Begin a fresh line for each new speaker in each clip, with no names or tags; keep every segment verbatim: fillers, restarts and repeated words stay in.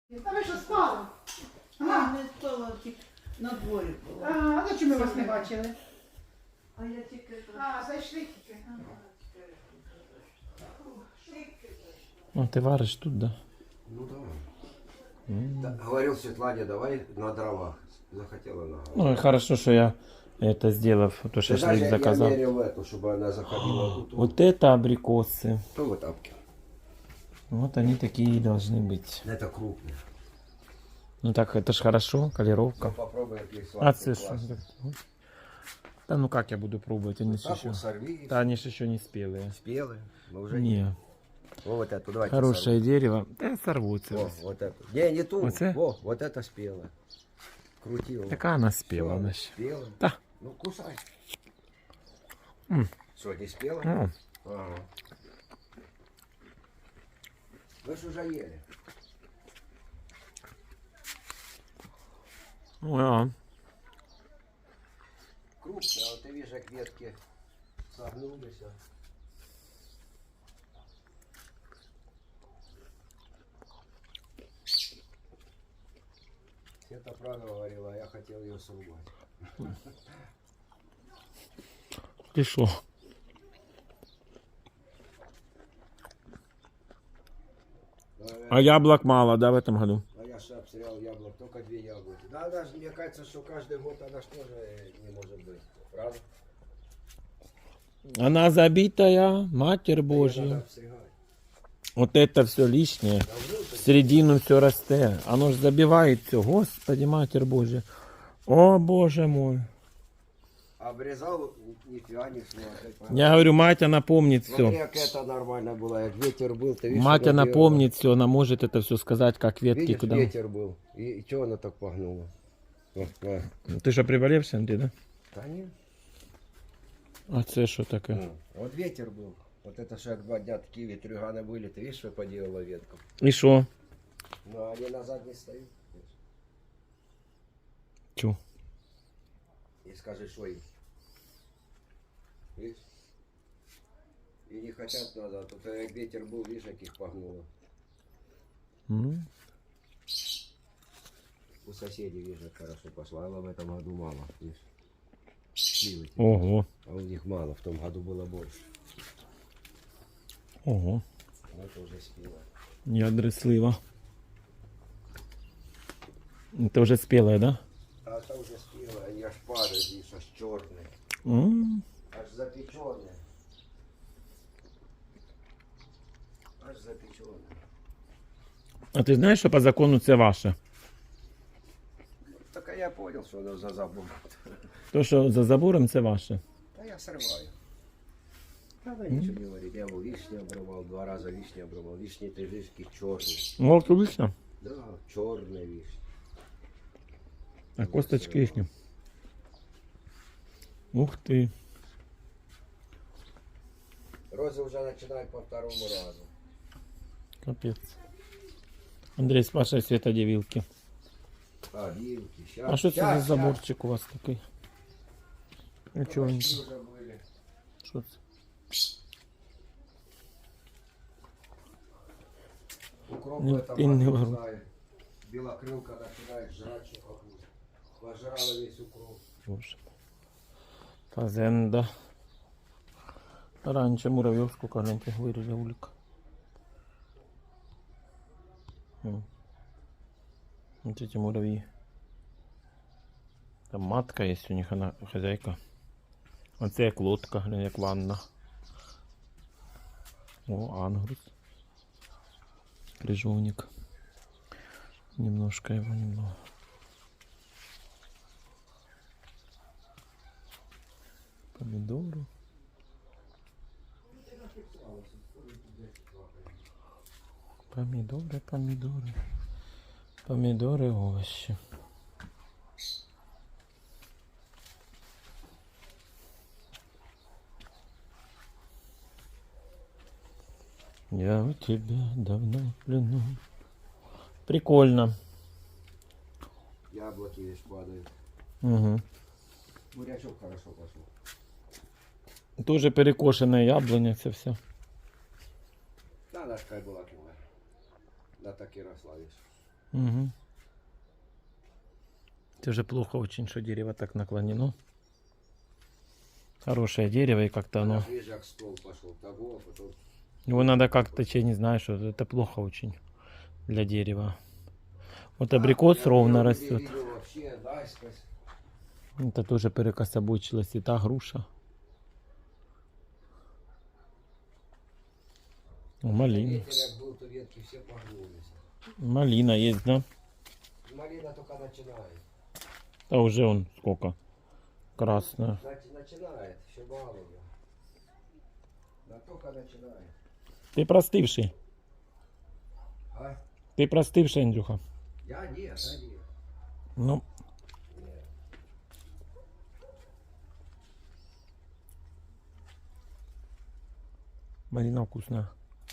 Та ви що спали?
А, не спала, тільки на дворі була.
А, а чому ми вас не бачили?
А я тільки...
А, зайшли тільки.
Ну, ты варишь тут, да?
Ну давай.
М.
Да, говорил Светлане, давай на дровах. Захотела на
Ну и хорошо, что я это сделав, то
Ты
шашлык
знаешь, я
заказал.
мерил эту, чтобы она заходила тут.
Вот это абрикосы.
То в тапке.
Вот они такие и должны быть.
Это крупные.
Ну так, это ж хорошо, колеровка.
Попробуй какие
А
сладкие.
це що? Да ну как я буду пробовать, они ж
Так
еще...
вот сорви.
Да они ж еще не спелые.
Спелые. Мы уже
Не,
О, вот эту, давайте
хорошее дерево. Да сорвутся.
сорвем. О, вот эту. Не, не ту.
Вот это?
Во, вот это спелое. Крути его.
Такая она спела,
Всё,
она ж.
спелая.
Да.
Ну, кусай.
М.
Что, не спела?
М.
Ага. Вы ж уже ели.
Ну, да.
Крупные, а вот ты видишь, как ветки согнулись. а. Это правда говорила, а я хотел ее срубать.
Ты шо? А яблок мало, да, в этом году?
А я же обстрял яблок, только две яблоки. Да, даже мне кажется, что каждый год она ж тоже не может быть. Правда?
Она забитая, Матерь
Её
Божья.
надо обстригать.
Вот это все лишнее. В середину все росте. Оно ж забивает все. Господи, Матерь Божья. О, Боже мой.
Обрезал, нифига не шло. опять пора.
Я говорю, мать, она помнит
Смотри,
все.
как это нормально было, как ветер был. Ты видишь,
Мать,
что
она
делала?
помнит все. Она может это все сказать, как ветки
Видишь,
куда.
ветер был. И, и что она так погнула? Вот, вот.
Ты что, приболевший, Андрей, да?
Да нет.
А це що таке?
Ну, вот ветер был. Вот это же как два дня такие ветрюганы были. Ты видишь, что поделала веткам?
І що?
Ну, а они назад не стоят.
Чу.
И скажи, что им. Видишь? И не хотят назад. Вот как ветер был, видишь, как их погнуло.
М.
У соседей, видишь, как хорошо пошла. А в этом году мало, видишь. Сливы.
Ого.
А у них мало, в том году было больше.
Ого.
Но это уже спело.
Ядри слива. Это уже спелое, да?
А это уже спело, они аж падают, видишь, аж черные.
М.
Аж запеченные. Аж запеченные.
А ти знаєш, що по закону це ваше?
Так а я понял, что оно за забор.
То, що за забором, це ваше.
Да я срываю. Надо ничего не говорить. Я был вишни обрывал, два раза вишни обрывал. Вишни ты видишь, какие черные.
О, вишня.
Да, черные вишни.
А косточки їхні. Ух ти.
Розы уже начинают по второму разу.
Капець. Андрій, з вашої світодівілки.
А, вилки, сейчас.
А що це за заборчик у вас такий? Нічого не.
Уже были.
Що це?
Укроп
Не-
в этом
и не
году,
вру.
знаю. Белокрылка начинает жрать, что какую. Пожрала весь укроп.
Боже. Фазенда. Раніше муравйов сколько гляньте виріли улік. М. Вот эти муравьи. Там матка есть у них, она хозяйка. Оце як лодка, глянь, як ванна. О, ангрус. Крыжовник. Немножко его, немного. Помидоры. Помидоры, помидоры. Помидоры, овощи. Я у тебя давно в плену. Прикольно.
Яблоки весь падают.
Угу.
Бурячок хорошо пошел.
Тоже перекошене яблуня, це все.
Да, она ж как была кивая. Да так и росла, видишь.
Угу. Это же плохо очень, что дерево так наклонено. Хорошее дерево, и как-то оно...
Ближе к стол пошел, того, а потом...
Его надо как-то, я не знаю, что это плохо очень для дерева. Вот абрикос
Я
ровно
не
растет.
видел вообще, наискось.
Это тоже перекособочилась, и та груша. О, малина.
Ветер как был, то ветки все погнулись.
Малина есть, да?
Малина только начинает.
А уже он сколько? Красная.
Нач- начинает, еще мало ее. Да только начинает.
Ты простывший.
А?
Ты простывший, Андрюха.
Я нет, а нет.
Ну,
Нет.
малина вкусная.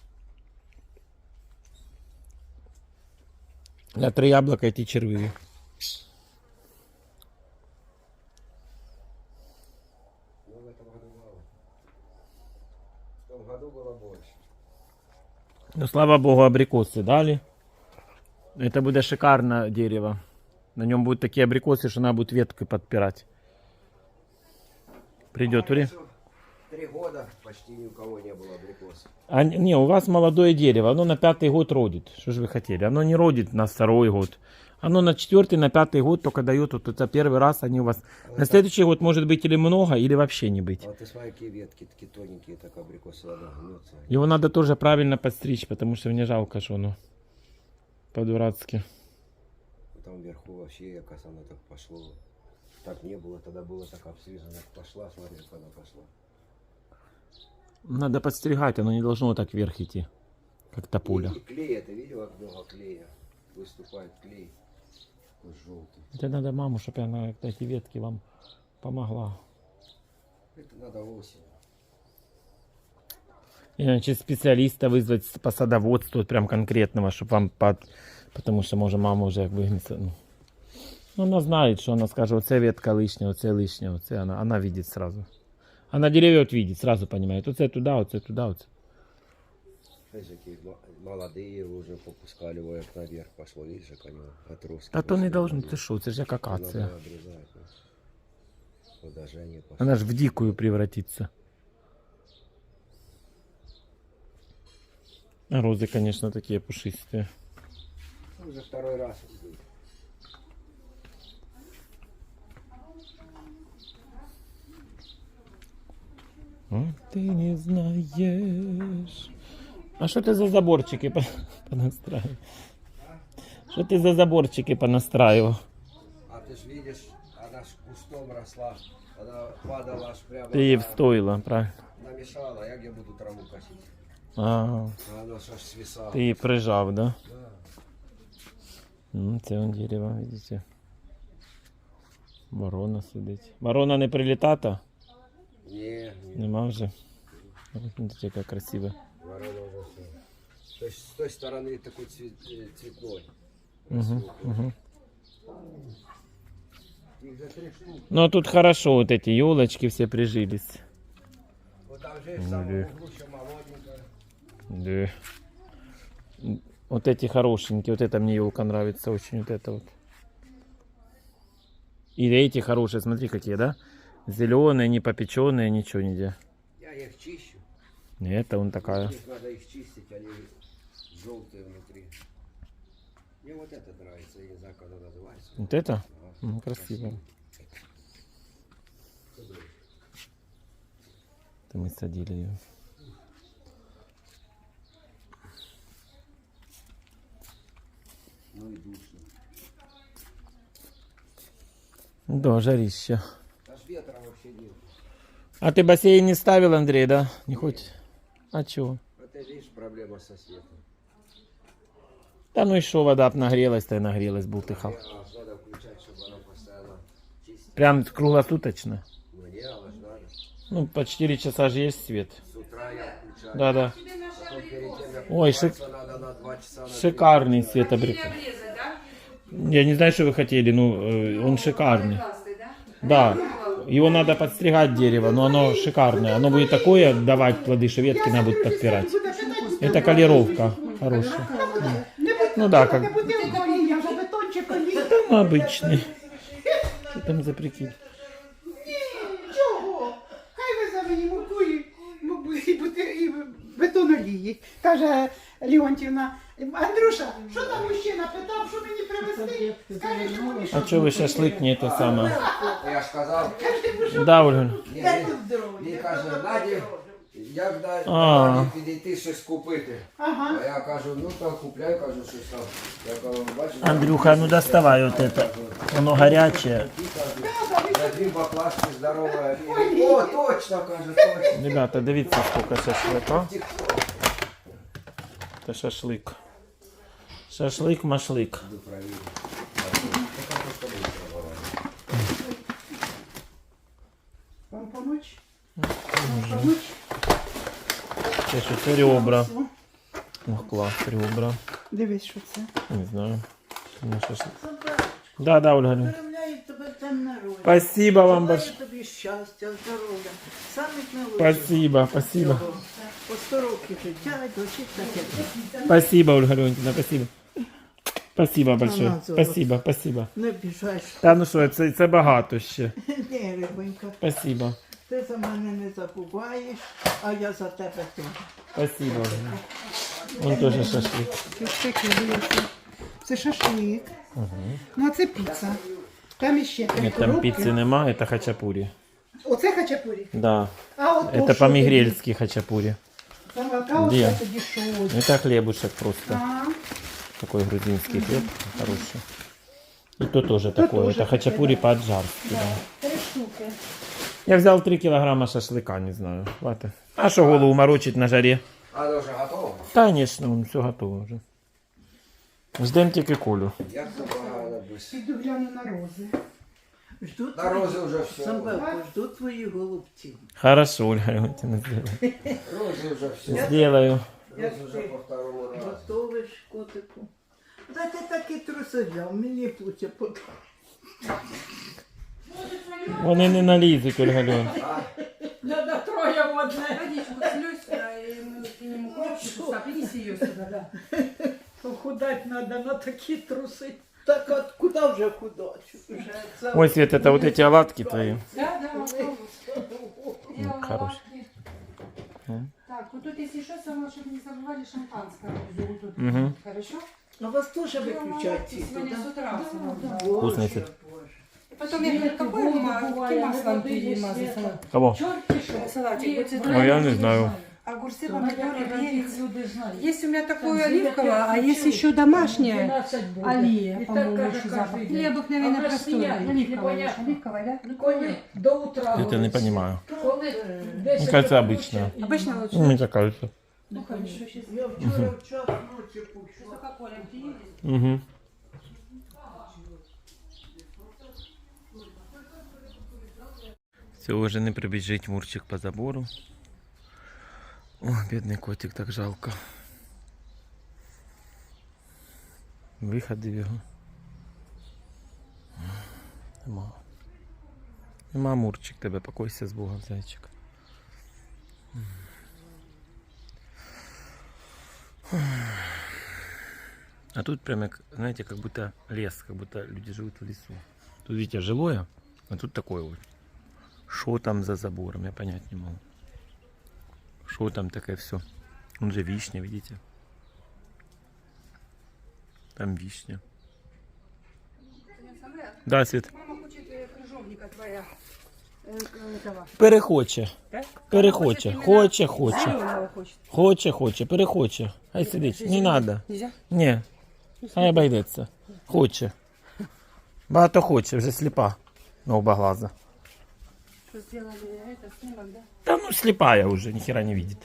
Я три яблока, эти червивые.
Ну, в этом году мало. В том году было больше.
Ну, слава богу, абрикосы дали. Это будет шикарное дерево. На нем будут такие абрикосы, что надо будет веткой подпирать. Придет
А
время.
еще Три года почти ни у кого не было абрикосов.
А, не, у вас молодое дерево, оно на пятый год родит. Что же вы хотели? Оно не родит на второй год. Оно на четвертый, на пятый год только дает. Вот это первый раз они у вас. На следующий год может быть или много, или вообще не быть.
А вот ты смотри, какие ветки такие тоненькие, так абрикосы надо гнется.
Его надо тоже правильно подстричь, потому что мне жалко, что оно по-дурацки.
Там вверху вообще, якось оно так пошло. Так не было, тогда было так обстрижено. Пошла, смотри, как она пошла.
Надо подстригать, оно не должно вот так вверх идти, как тополя.
И, и клей, ты видел, как много клея? Выступает клей. Такой желтый.
Это надо маму, чтобы она эти ветки вам помогла.
Это надо осень.
Иначе специалиста вызвать по садоводству, вот прям конкретного, чтобы вам под... Потому что, может, мама уже выгнется. Ну. Ну, она знает, что она скажет, оце ветка лишняя, оце лишняя, оце она, она видит сразу. Она деревья вот видит, сразу понимает, оце туда, оце туда, оце.
Знаешь, какие м- молодые уже попускали его, как наверх пошло, видишь, как они отростки.
А то не
пошли
должно,
наверх.
ты что, это же как
Надо
акация.
обрезать. Ну. Удажение пошло.
Она же в дикую превратится. А розы, конечно, такие пушистые.
Уже второй раз идут.
А ты не знаешь. А что ты за заборчики по- понастраивал? Что ты за заборчики понастраивал?
А ты ж видишь, она ж кустом росла, она падала аж прямо.
Ты ей
на-
встоила, правильно?
намешала, я где буду траву косить.
А,
А она ж аж свисала.
ти її прижав, да?
Да.
Ну, це он дерево, видите. Ворона сидить. Ворона не прилітата?
Не, не,
Нема вже. Смотрите, яка красива.
ворона уже все. То есть с той стороны такой цвет, э, цветной.
Угу, угу.
Их за три штуки.
Ну, а тут хорошо, вот эти елочки все прижились.
Вот там же в самом углу еще молоденькая.
Да. Вот эти хорошенькие, вот это мне елка нравится очень, вот это вот. И эти хорошие, смотри какие, да? Зеленые, не попеченные, ничего нигде.
Я их чищу.
Нет, это он такая.
Их надо их чистить, они желтые внутри. Мне вот это нравится, я не знаю, как она называется.
Вот это?
Ага,
Ну, красиво. Это мы садили ее.
Ну и душно.
Да, жарище.
Аж ветра вообще нет.
А ты бассейн не ставил, Андрей, да? Не хочешь? А чего?
Это видишь проблема со светом.
Да ну и что, вода б нагрелась-то и нагрелась, бултыхал.
А надо включать, чтобы она постоянно чистила.
Прям круглосуточно.
Мне она ж надо.
Ну, по четыре часа же есть свет.
С утра я включаю.
Да-да.
Потом перед тем, как
Ой,
купаться, надо на два часа. на три.
Шикарный свет абрикос.
Обрезать, да?
Я не знаю, что вы хотели, ну, э, он шикарный.
Классный, да?
Да, его надо подстригать дерево, но оно шикарное. Оно будет такое давать плоды, что ветки надо будет подпирать. Это колеровка хорошая. Ну да, как...
Это Леончик олій.
Там обычный. Что там за прикид?
Чого? Хай везе мені муку і, муку і, бути- і бетон олії. Каже Леонтівна, Андрюша, що там мужчина питав, що мені привезти? Скажи, що мені
А что вы шашлык не это самое?
Я ж казав,
Да, Ольга.
ні,
Дай
він,
тут здоров'я.
він каже, Наді, як да-
А.
Наді підійти щось купити.
Ага.
А я кажу, ну то купляй, кажу, щось там. Я кажу, бачиш,
Андрюха, ну доставай вот это. Оно горячее.
я дві баклажки здорові. О, точно, каже, точно.
Ребята, дивіться, сколько шашлыка. Это шашлык. Шашлык-машлык.
Буду провірити.
Вам помочь? Вам помочь?
Це що, це ребра. Ох, клас, ребра.
Дивись, що це.
Не знаю. Ну, шашлык. Да, да, Ольга.
Перемляю тебе в день народження.
Спасибо вам
Желаю
большое.
тобі щастя, здоров'я. Самих найвищих.
Спасибо, спасибо.
Всього. По сто років життя, дочить таке.
Спасибо, Ольга Леонтьевна, спасибо. Спасибо большое.
Ага, золото.
Спасибо, спасибо.
Не біжаєш.
Та ну що, це, це багато ще.
Ні, рибонька,
Спасибо.
ти за мене не забуваєш, а я за тебе теж.
Спасибо. Ольга. Вон теж шашлик.
Це таке, дивіться. Це шашлик. Ну, а це піца. Там іще три
Ні, там
коробки.
піци нема, це хачапурі.
Оце хачапурі.
Да.
А от
Это по-мигрельски хачапури.
Там а
Де?
оце тоді що?
Это хлебушек просто.
А,
Такой грузинский хлеб хороший. И то тоже такое.
тоже
Это хачапури по-аджарски. Да.
три штуки.
Я взял три килограмма шашлыка, не знаю. Хватит. А что голову морочить на жаре?
А це вже готово?
Конечно, все готово уже. Ждем тільки Колю.
Як це погано без...
Піду гляну на рози.
Жду
На рози вже все.
Самбелко, жду твоїх голубців.
Хорошо, Ольга Леонтьевна, сделаю.
Рози вже все.
Сделаю.
Рози вже по второму разу.
Готовиш котику. Та ти такі труси взяв, мені плуче потім.
Вони не налізуть, Ольга Леонтьевна.
Надо троє в одне.
Водичку слюсь, и мы к нему коробку, так, принеси ее сюда, да.
Похудать надо на такі труси. Так от куди вже худать? Вже це-
Ой, Свет, это вот эти оладки твои.
Да, да, попробуй. Делала
хорош.
лапки.
М.
Так, вот тут если что, самое, чтобы не забывали шампанское. Вот тут.
Мгм.
Хорошо?
А вас теж
Делала
виключають
лапки
ці
сегодня с утра.
Вкусный
Боже,
цвет.
Боже.
Потом я говорю, какое ма- каким маслом перемазать салат?
Кого?
Салатик, будет
Ну, я не знаю.
огурцы, помидоры, перец. Есть у меня такое оливковое, а есть еще домашнее. Алия, по-моему, еще запах. Или обыкновенно простое. Оливковое. Оливковое, да?
Коли до утра.
Это не понимаю.
Коли
Мне кажется, обычно.
Обычно лучше.
Ну, мне так кажется.
Ну, хорошо, сейчас.
Я вчора в час ночі пущу.
Кока-коля приедет.
Угу. Все, уже не прибіжить Мурчик по забору. О, бідний котик, так жалко. Виходив його. Нема. Нема, Мурчик, тебе покойся з Богом, зайчик. А тут прям, как, знаете, как будто лес, как будто люди живут в лесу. Тут, видите, жилое, а тут такое вот. Что там за забором, я понять не могу. Что там такое все? Он же вишня, видите? Там вишня. Да, Свет.
Мама хочет э, крыжовника твоя. Э, э, этого.
Перехоче.
Так?
Перехоче.
Хочет
Хоче, хоче.
Зеленого хочет.
Хоче, хоче. Перехоче. Хай сидить. Не надо.
Нельзя?
Ні. Хай обійдеться. Хоче. Багато хоче, вже сліпа. На оба глаза.
Что сделали это, снимок, да?
Та ну сліпая вже, ніхера не видить.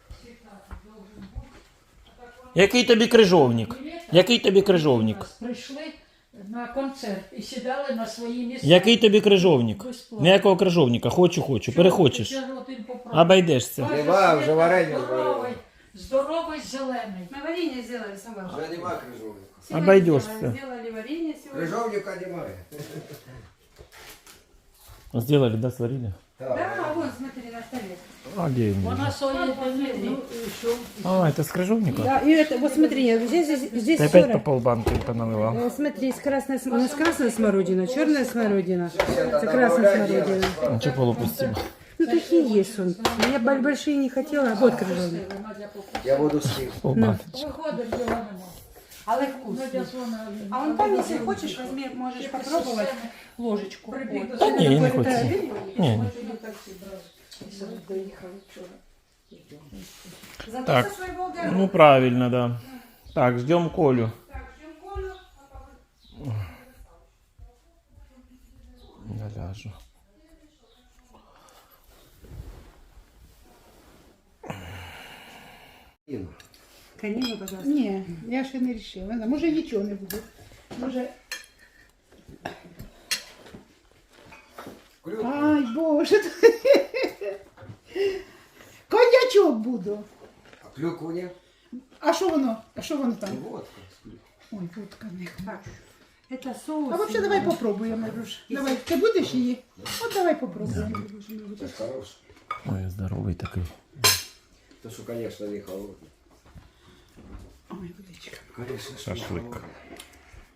Який тобі крижовник? Який тобі крижовник?
Прийшли на концерт і сідали на свої місця.
Який тобі крижовник?
Безплатно.
Ніякого крижовника. Хочу, хочу. Перехочеш.
Ще один попробуй.
Обійдешся.
Бачиш,
Нема, вже
Свята
варення
здоровий,
зварили.
здоровий зелений.
Мы варенье сделали, Самвел.
Вже нема крижовника.
Сегодня
Обойдешься.
Сделали, сделали варенье сегодня.
Крижовника немає.
Сделали, да, сварили?
Да, вон, смотри, на столе.
А где он?
Вона своє дні.
А, это с крыжовника?
Да, и это, вот смотри, здесь, здесь, здесь
Ты опять по
сорок.
полбанки поналивал?
Э, Смотри, есть красная, см- у нас красная смородина, черная смородина. Это красная смородина.
Ну, что полупустим?
Ну, такие есть он. Я боль- большие не хотела, вот крыжовник.
Я буду слив.
Полбаночки.
Виходить, його нема.
Але вкусный.
Надя дзвонила.
А он там, если хочешь, возьми, можешь попробовать ложечку. Вот.
Да не, не
Это-
хочу. Не, не.
Зато
Так.
со своего огорода.
Ну, правильно, да. Так, ждем Колю. Я ляжу.
Конину, пожалуйста.
Ні, я ще не вирішила. Може нічого не буде. Може. Ай, Боже. Коньячок буду.
А клюкву ні?
А що воно? А що воно там?
Водка.
Ой, водка не.
Так, это соус.
А взагалі давай попробуємо, Руш. Давай, ти будеш її? От давай попробуємо.
Це хорош.
Ой, здоровый такой.
То, що, конечно, не холодно.
Ой, водичка.
Конечно,
Шашлык.